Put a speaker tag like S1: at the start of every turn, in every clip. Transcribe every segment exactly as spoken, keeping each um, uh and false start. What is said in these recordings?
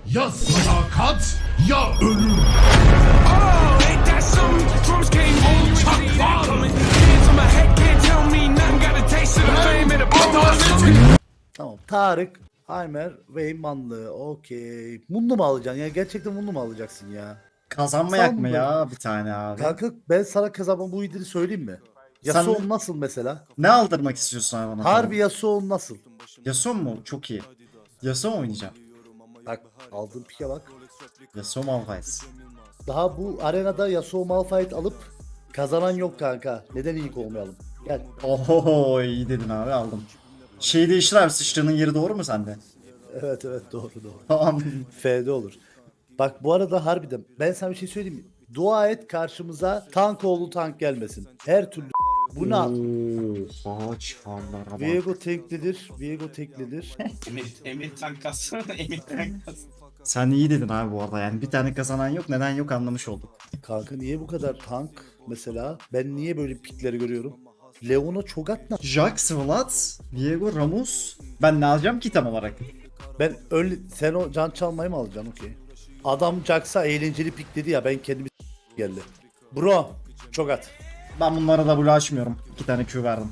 S1: Ya sadakat ya ölüm.
S2: Oh, ain't that something? Drums came in, you ain't see that coming. Hands on my head, can't tell me nothing. Got a taste of the fame and the promotion.
S3: Tamam. Tarık, Heimer, Weymanlı. Okey. Munlu mu alacaksın ya? Gerçekten Munlu mu alacaksın ya?
S4: Kazanmayak mı
S3: Sanmıyorum.
S4: ya bir tane abi?
S3: Kanka ben sana kazanma bu idiri söyleyeyim mi? Yasuo nasıl mesela?
S4: Ne aldırmak istiyorsun abi bana?
S3: Harbi Yasuo nasıl?
S4: Yasuo mu? Çok iyi. Yasuo mu oynayacağım?
S3: Bak aldığın pike bak.
S4: Yasuo Malphite.
S3: Daha bu arenada Yasuo Malphite alıp kazanan yok kanka. Neden ilk olmayalım? Gel.
S4: Oho iyi dedin abi aldım. Şeyi değiştir abi, sıçrağının yeri doğru mu sende?
S3: Evet evet doğru doğru.
S4: Tamam.
S3: F'de olur. Bak bu arada harbiden ben sana bir şey söyleyeyim mi? Dua et karşımıza tank oğlu tank gelmesin. Her türlü bu ne?
S4: Oha çifanlara bak.
S3: Viego teklidir. Viego teklidir.
S5: Emir, Emir tankası, Emir tankası.
S4: Sen iyi dedin abi bu arada, yani bir tane kazanan yok, neden yok anlamış olduk.
S3: Kanka niye bu kadar tank mesela? Ben niye böyle pikleri görüyorum? Leona Cho'Gath ne?
S4: Jax, Vlad, Viego, Ramus. Ben ne alacağım ki tam olarak?
S3: Ben öyle sen o can çalmayı mı alacaksın okey. Adam Jax'a eğlenceli pik dedi ya ben kendimi geldi. Bro Cho'Gath.
S4: Ben bunlara da bulaşmıyorum. İki tane Q verdim.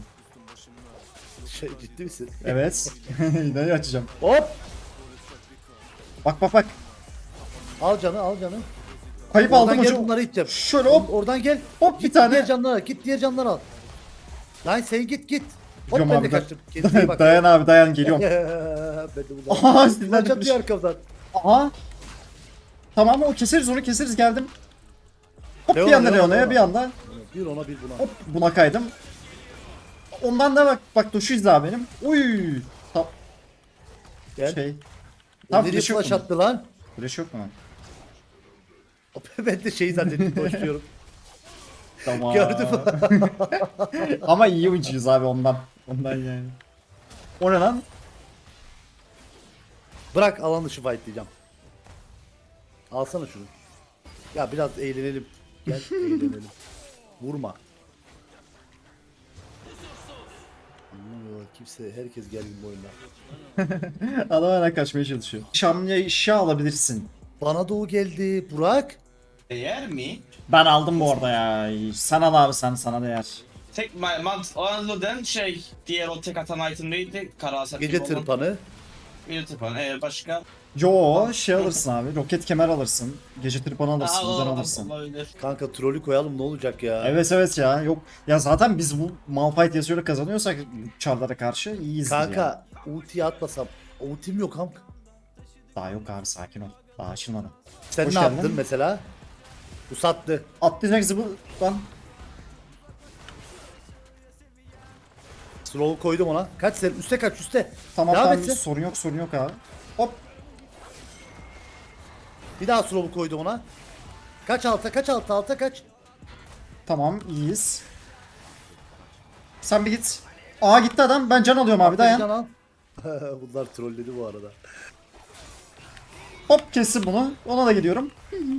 S3: Şey ciddi misin?
S4: Evet. Neyi açacağım?
S3: Hop!
S4: Bak bak bak.
S3: Al canı al canı.
S4: Kayıp
S3: Oradan
S4: aldım
S3: gel
S4: hocam.
S3: bunları iteceğim.
S4: Şöyle hop.
S3: Oradan gel.
S4: Hop bir
S3: Git
S4: tane.
S3: diğer canları al. Git diğer canları al. Lan sen git git. Hop
S4: Diyorum
S3: ben
S4: abi,
S3: de
S4: da-
S3: kaçtım. Kendine bak.
S4: dayan abi dayan, geliyorum.
S3: ben de bunu.
S4: Aha, sizden
S3: Lan
S4: gitmiş.
S3: çatıyor arkamdan.
S4: Aha. Tamam o keseriz, onu keseriz, geldim. Hop
S3: Leona,
S4: bir anda
S3: Leona,
S4: Leona'ya
S3: Leona.
S4: bir anda.
S3: Bir ona bir buna.
S4: Hop buna kaydım. Ondan da bak bak Duşu izle benim. Uy. Tam
S3: Gel.
S4: şey.
S3: O
S4: Tam
S3: nereye
S4: flash yok
S3: flash
S4: mu?
S3: attı lan?
S4: Flash yok mu lan?
S3: Ben de şey zannettim koşuyorum.
S4: Tamam.
S3: Gördüm.
S4: Ama iyi ucuyuz abi ondan. Ondan yani. O ne lan?
S3: Bırak alan dışı fight diyeceğim. Alsana şunu. Ya biraz eğlenelim. Gel eğlenelim. Vurma. Anlamıyorlar kimse. Herkes gergin bu oyunda.
S4: Adam hala kaçmaya çalışıyor. Şamya işe alabilirsin.
S3: Bana doğu geldi. Burak.
S5: Değer mi?
S4: Ben aldım bu arada ya. Sana da abi, sen sana değer.
S5: Tek ma- mant Anadolu'dan şey, diğer o tek atan item neydi? Karaser
S3: Gece
S5: gibi olan.
S3: tırpanı.
S5: Gece tırpanı. Ee, başka?
S4: Yo şey alırsın abi. Roket kemer alırsın. Gece tırpanı alırsın.
S5: Aa,
S4: Buradan
S5: ol-
S4: alırsın.
S5: olabilir.
S3: Kanka trolü koyalım ne olacak ya?
S4: Evet evet ya. Yok. Ya zaten biz bu Malphite yazıyla kazanıyorsak çarlara karşı iyiyiz. Yani.
S3: Kanka ultiyi atmasam. Ultim yok kanka.
S4: Daha yok abi, sakin ol. Daha açılmadı.
S3: Sen
S4: Hoş
S3: ne
S4: geldin.
S3: yaptın mesela? Bu sattı.
S4: Atlayacak zıbı lan.
S3: Slow koydum ona. Kaç sen? Üste kaç üste.
S4: Tamam
S3: Devam
S4: tamam,
S3: etsin.
S4: sorun yok sorun yok abi. Hop.
S3: Bir daha slow koydum ona. Kaç alta kaç alta alta kaç.
S4: Tamam iyiyiz. Sen bir git. Aa gitti adam. Ben can alıyorum abi,
S3: Can
S4: dayan.
S3: al. Bunlar trolledi bu arada.
S4: Hop kessin bunu. Ona da gidiyorum.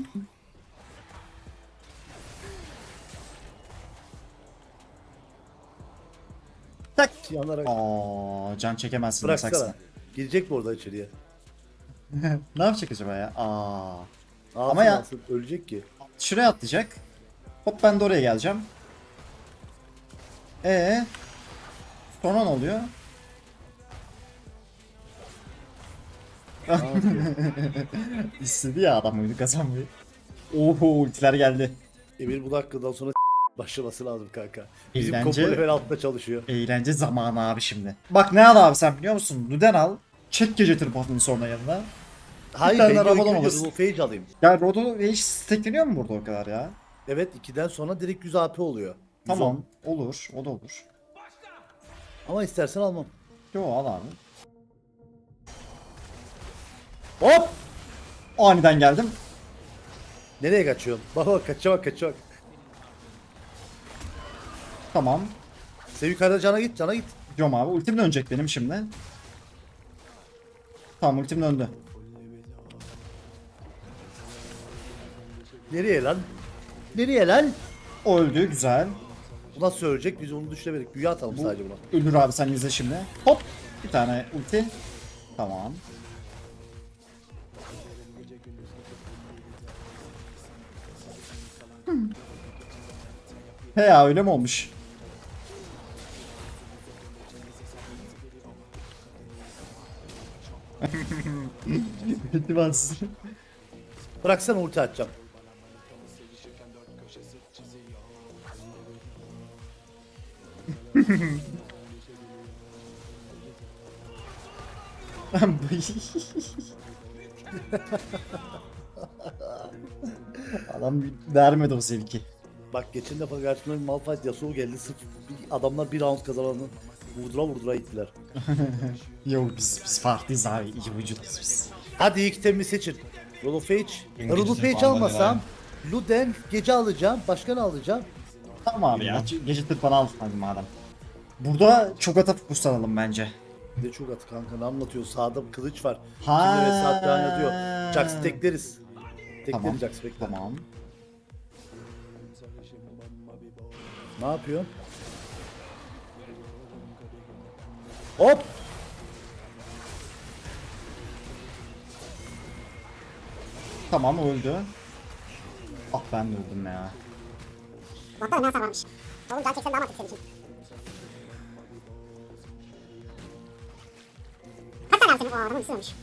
S4: Tak.
S3: Yanlara
S4: Aa can çekemezsin.
S3: bıraksana.
S4: Bıraksana.
S3: Girecek mi orada içeriye?
S4: Ne yapacak acaba ya? Aa.
S3: Alsın,
S4: Ama ya-
S3: alsın. Ölecek ki.
S4: Şuraya atlayacak. Hop ben de oraya geleceğim. Ee. Sonra ne oluyor?
S3: Ne yapıyor?
S4: İstedi ya adam oyunu kazanmayı. Oho ultiler geldi.
S3: Emir bu dakikadan sonra başlaması lazım kanka. Bizim
S4: Eğlence-
S3: kompo level altta çalışıyor.
S4: Eğlence zamanı abi şimdi. Bak ne al abi sen biliyor musun? Luden al. Çek gece tırpanını sonra yanına.
S3: Hayır
S4: tane
S3: ben
S4: arabadan
S3: Rabadon
S4: alırsın.
S3: alırsın. Phage alayım.
S4: Ya Rodo hiç stackleniyor mu burada o kadar ya?
S3: Evet ikiden sonra direkt yüz A P oluyor. yüz on.
S4: Tamam olur, o da olur.
S3: Ama istersen almam.
S4: Yo al abi.
S3: Hop!
S4: Aniden geldim.
S3: Nereye kaçıyorsun? Bak bak kaçıyor bak kaçıyor bak.
S4: Tamam.
S3: Sen yukarıda cana git cana git.
S4: Diyorum abi ultim dönecek benim şimdi. Tamam ultim döndü.
S3: Nereye lan? Nereye lan?
S4: O öldü, güzel.
S3: Bu nasıl ölecek? Biz onu düşünemedik. Büyü atalım sadece buna.
S4: Ölür abi, sen izle şimdi. Hop bir tane ulti. Tamam. He ya öyle mi olmuş? Ultimas.
S3: Bıraksana ulti atacağım.
S4: Adam vermedi o zevki.
S3: Bak geçen defa karşımda bir Malphite Yasuo geldi sırf bir- adamlar bir round kazananı vurdura vurdura gittiler.
S4: Yok biz biz farklıyız abi. İyi vücuduz biz.
S3: Hadi ilk temi seçin. Roll of Age.
S5: İngilizce
S3: Roll of Age
S5: falan
S3: almasam Luden gece alacağım. Başka ne alacağım?
S4: Tamam abi ya. Gece tırpanı al hadi madem. Burada çok ata fokuslanalım bence.
S3: Bir de çok atı kanka ne anlatıyor? Sağda bir kılıç var.
S4: Ha.
S3: Kimde ve saat devam ediyor. Jax'ı tekleriz. Tekleriz
S4: Tamam.
S3: Jax bekle.
S4: Tamam.
S3: Ne yapıyorsun? Hop!
S4: Tamam öldü. Ah ben de öldüm ya.
S6: Bakalım ne hasar varmış. Oğlum can çeksen daha mantıklı senin için. Kaç tane abi senin? O adamın üstü ölmüş.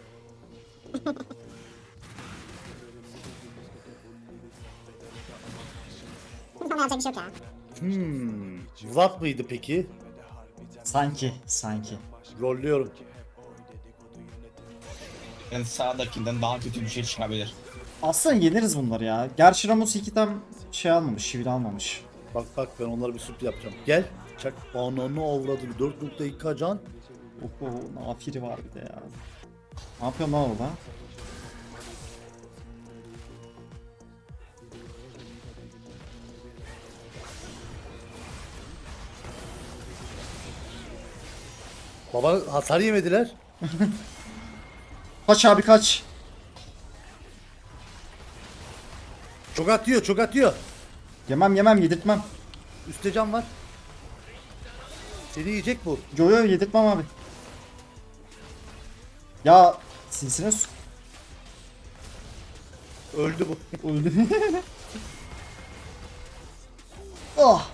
S6: Tamam yapacak bir şey yok ya.
S3: Hmm. Vlad mıydı peki?
S4: Sanki sanki.
S3: Rolluyorum.
S5: Yani sağdakinden daha kötü bir şey çıkabilir.
S4: Aslında yeniriz bunları ya. Gerçi Ramos iki tam şey almamış, şivil almamış.
S3: Bak bak ben onlara bir sürpriz yapacağım. Gel. Çak. Ananı avradı. dört nokta iki can.
S4: Oho, nafiri var bir de ya. Ne yapıyorsun lan orada?
S3: Baba hasar yemediler.
S4: Kaç abi kaç.
S3: Çok atıyor çok atıyor.
S4: Yemem yemem yedirtmem.
S3: Üstte can var. Seni yiyecek bu.
S4: Yo yo yedirtmem abi. Ya sinsine su.
S3: Öldü bu.
S4: Öldü. Oh.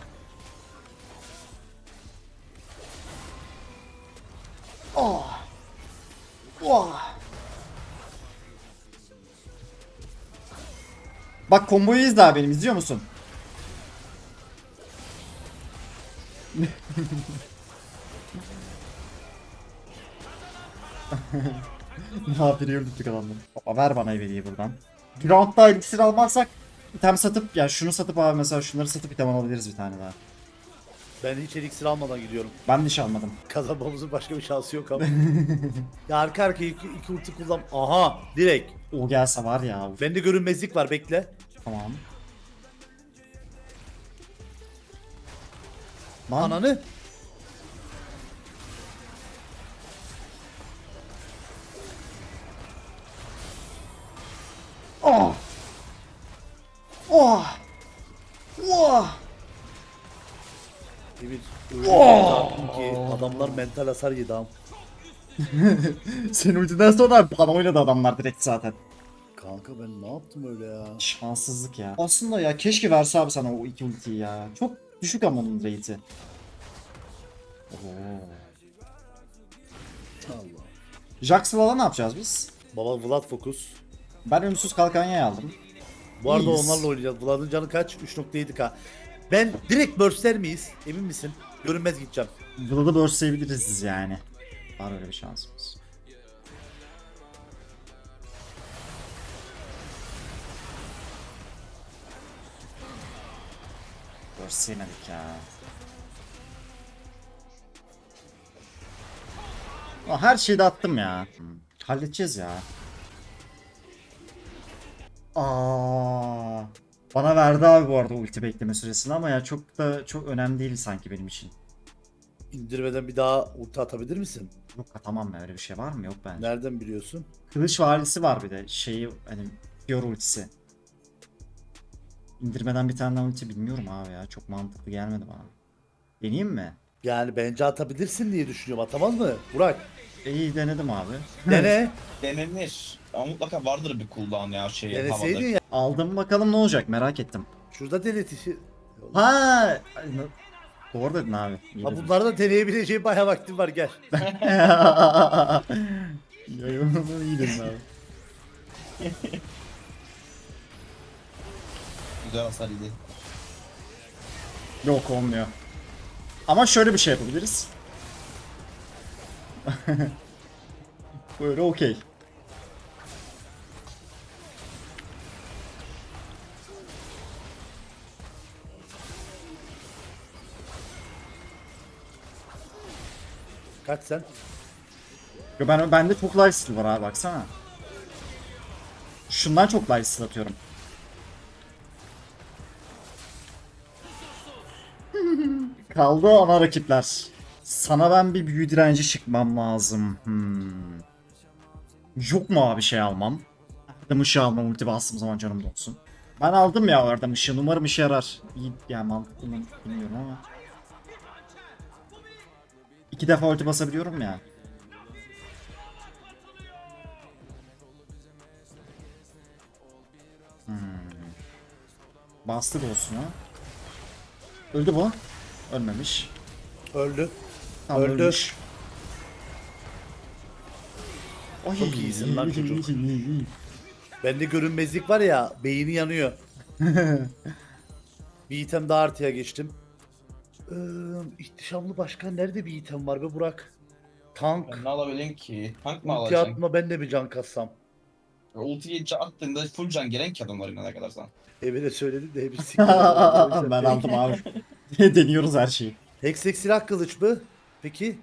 S4: Oh. Oh. Bak komboyu izle abi benim izliyor musun? Ne yapıyor öldürdük adamları. Baba ver bana eveliyi buradan. Bir roundda elixir almazsak item satıp ya şunu satıp abi mesela şunları satıp item alabiliriz bir tane daha.
S3: Ben hiç eliksir almadan gidiyorum.
S4: Ben de hiç almadım.
S3: Kazanmamızın başka bir şansı yok ama. Ya arka arkaya iki, iki ulti kullan. Aha direkt.
S4: O gelse var ya. Uf,
S3: Bende görünmezlik var bekle.
S4: tamam. Lan
S3: Ananı.
S4: oh. Oh. Oh.
S3: Bir öyle oh. ki adamlar mental hasar yedi am.
S4: Senin ultiden sonra bana oynadı adamlar direkt zaten.
S3: Kanka ben ne yaptım öyle ya?
S4: Şanssızlık ya. Aslında ya keşke verse abi sana o iki ultiyi ya. Çok düşük ama onun rate'i. Oo.
S3: Allah.
S4: Jax'la ne yapacağız biz?
S3: Baba Vlad fokus.
S4: Ben ölümsüz kalkanyayı aldım.
S3: Bu arada
S4: İyiyiz.
S3: onlarla oynayacağız. Vlad'ın canı kaç? üç nokta yedi K. Ben direkt burstler miyiz? Emin misin? Görünmez gideceğim.
S4: Vlad'ı burstleyebiliriz yani. Var öyle bir şansımız. Burstleyemedik ya. Aa, her şeyi de attım ya. Hmm, halledeceğiz ya. Aa, bana verdi abi bu arada ulti bekleme süresini ama ya çok da çok önemli değil sanki benim için.
S3: İndirmeden bir daha ulti atabilir misin?
S4: Yok atamam ya öyle bir şey var mı? Yok bence.
S3: Nereden biliyorsun?
S4: Kılıç valisi var bir de şeyi hani Fior ultisi. İndirmeden bir tane daha ulti bilmiyorum abi ya çok mantıklı gelmedi bana. Deneyeyim mi?
S3: Yani bence atabilirsin diye düşünüyorum. Atamaz mı? Burak.
S4: E, İyi denedim abi.
S3: Dene.
S5: Denenir. Ama mutlaka vardır bir cooldown ya şey havada.
S3: Deneseydin ya.
S4: Aldım bakalım ne olacak merak ettim.
S3: Şurada delete işi.
S4: Ha, ay, na- doğru dedin abi. İyi
S3: Ha
S4: dedin.
S3: bunlarda deneyebileceğim bayağı vaktim var gel.
S4: Yorumunu iyi dedin abi.
S5: Güzel hasar yedi.
S4: Yok olmuyor. Ama şöyle bir şey yapabiliriz. Böyle okey.
S3: Kaç sen?
S4: Yo, ben bende çok lifesteal var abi baksana. Şundan çok lifesteal atıyorum. Kaldı ana rakipler. Sana ben bir büyü direnci çıkmam lazım. Hmm. Yok mu abi şey almam? Erdem ışığı almam ulti bastığım zaman canım dolsun. Ben aldım ya Erdem ışığını, umarım işe yarar. İyi yani mantıklı mı bilmiyorum ama. İki defa ulti basabiliyorum ya. Hmm. Bastı olsun ha. Öldü bu. Ölmemiş.
S3: Öldü.
S4: Tam
S3: Öldü.
S4: ölmüş. Oy.
S3: Çok iyisin lan çocuk. Bende görünmezlik var ya, beyni yanıyor. Bir item daha artıya geçtim. Ee, ihtişamlı başkan nerede bir item var be Burak? Tank.
S5: Ben ne alabilirim ki? Tank mı
S3: Ulti
S5: alacaksın?
S3: atma ben de bir can kassam.
S5: Ultiyi ca- attığında full can gelen ki adamların ne kadar sana.
S3: Eve de söyledim de hepsi
S4: Ben aldım abi. Deniyoruz her şeyi.
S3: Heksek silah kılıç mı? Peki.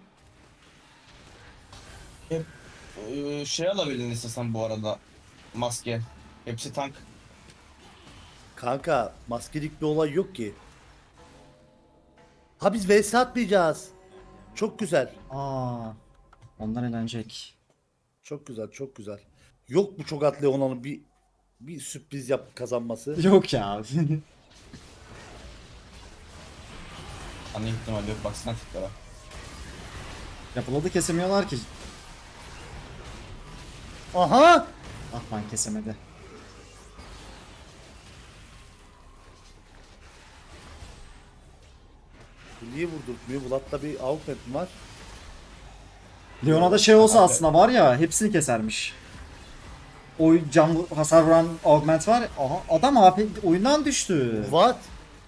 S5: Ee, şey alabilirsin istesen bu arada. Maske. Hepsi tank.
S3: Kanka maskelik bir olay yok ki. Ha biz vs atmayacağız. Çok güzel.
S4: Aa, onlar eğlenecek.
S3: Çok güzel, çok güzel. Yok bu çok atlı Leona'nın bir bir sürpriz yap kazanması.
S4: Yok ya.
S5: Ana ihtimali yok baksana tiplere.
S4: Yapıladı kesemiyorlar ki.
S3: Aha!
S4: Ah lan kesemedi.
S3: Bu niye vurdurtmuyor? Bulat'ta bir augment mi var?
S4: Leona'da şey olsa aslında var ya hepsini kesermiş. O can vur- hasar vuran augment var. Aha adam abi oyundan düştü.
S3: What?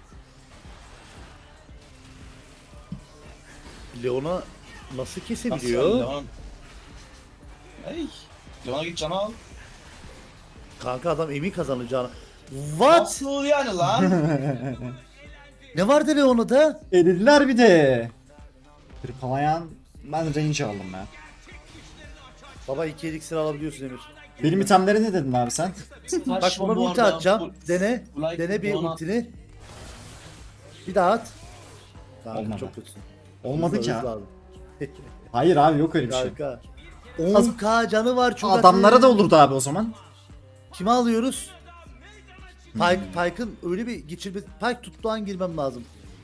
S3: Leona nasıl kesebiliyor?
S5: Nasıl Leon? Hey. Leon'a git canı al.
S3: Kanka adam emin kazanacağını. What?
S5: Nasıl yani lan?
S3: Ne vardı Leona'da?
S4: Elediler bir de. Hırpalayan ben range aldım ya.
S3: Baba iki elixir alabiliyorsun Emir.
S4: Benim itemleri ne dedin abi sen?
S3: Bak buna ulti atacağım. Dene. Dene bir ultini. Bir daha at. Kanka
S4: Olmadı.
S3: çok kötüsün.
S4: Olmadı
S3: Hızlı,
S4: ki
S3: hızlı
S4: ha.
S3: abi.
S4: Hayır abi yok öyle bir şey.
S3: Kanka. on k canı var çok
S4: Adamlara
S3: atı.
S4: da olurdu abi o zaman.
S3: Kime alıyoruz?
S4: Hmm.
S3: Pike, Pike'ın öyle bir geçirme... Pike tuttuğu an girmem lazım.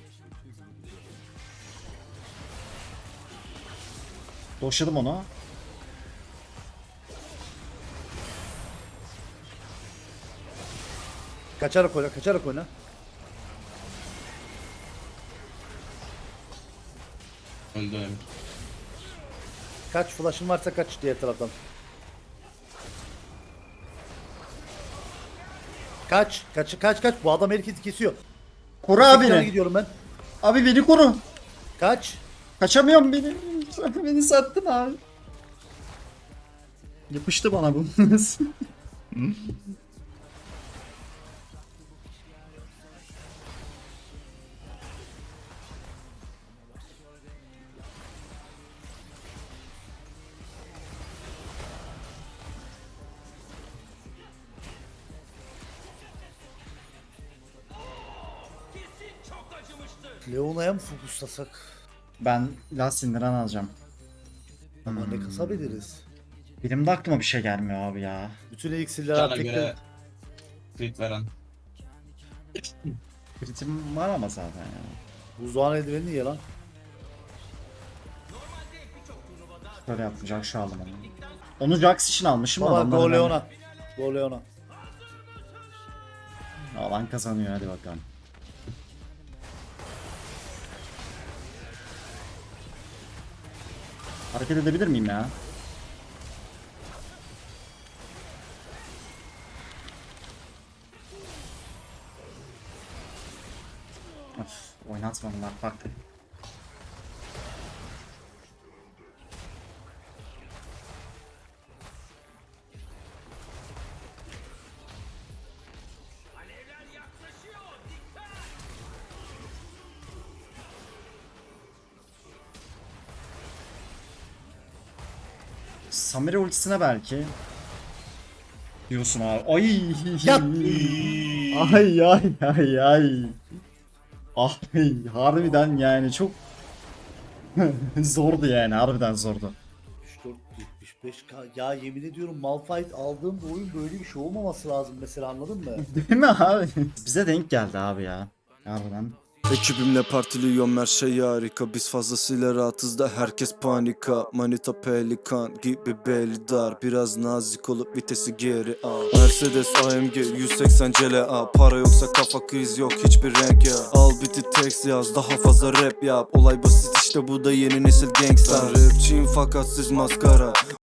S4: Doşladım onu.
S3: Kaçarak oyna, kaçarak oyna.
S5: Öldü Emir.
S3: Kaç flash'ın varsa kaç diğer taraftan. Kaç, kaç, kaç, kaç. Bu adam herkesi kesiyor.
S4: Koru
S3: Sekiz
S4: abi
S3: yana
S4: beni.
S3: gidiyorum ben.
S4: Abi beni koru.
S3: Kaç.
S4: Kaçamıyorum beni. Beni sattın abi. Yapıştı bana bu.
S3: Leona'ya mı fokuslasak?
S4: Ben Last Sindiran alacağım.
S3: Ama ne kasabiliriz?
S4: Benim de aklıma bir şey gelmiyor abi ya.
S3: Bütün elixirleri
S5: Cana
S3: tek
S5: göre crit veren.
S4: Kritim var ama zaten ya.
S3: Buzdoğan eldiveni niye lan?
S4: Böyle yapacak şu aldım onu. Onu Jax için almışım
S3: Baba
S4: adamlar
S3: go
S4: önemli.
S3: Leona. Go Leona.
S4: Alan kazanıyor hadi bakalım. Hareket edebilir miyim ya? Of, oynatmadılar bak. Samira ultisine belki. Diyorsun abi. Ay.
S3: Yat.
S4: Ay ay ay ay. Ay harbiden yani çok zordu yani harbiden zordu.
S3: yetmiş dört yetmiş beş K. Ya yemin ediyorum Malphite aldığım bu oyun böyle bir şey olmaması lazım mesela, anladın mı?
S4: Değil mi abi? Bize denk geldi abi ya. Harbiden.
S7: Ekibimle partiliyorum her şey harika. Biz fazlasıyla rahatız da herkes panika. Manita pelikan gibi belli dar. Biraz nazik olup vitesi geri al. Mercedes A M G yüz seksen C L A. Para yoksa kafa kriz yok hiçbir renk ya. Al biti text yaz daha fazla rap yap. Olay basit işte bu da yeni nesil gangsta. Rapçiyim fakat siz maskara.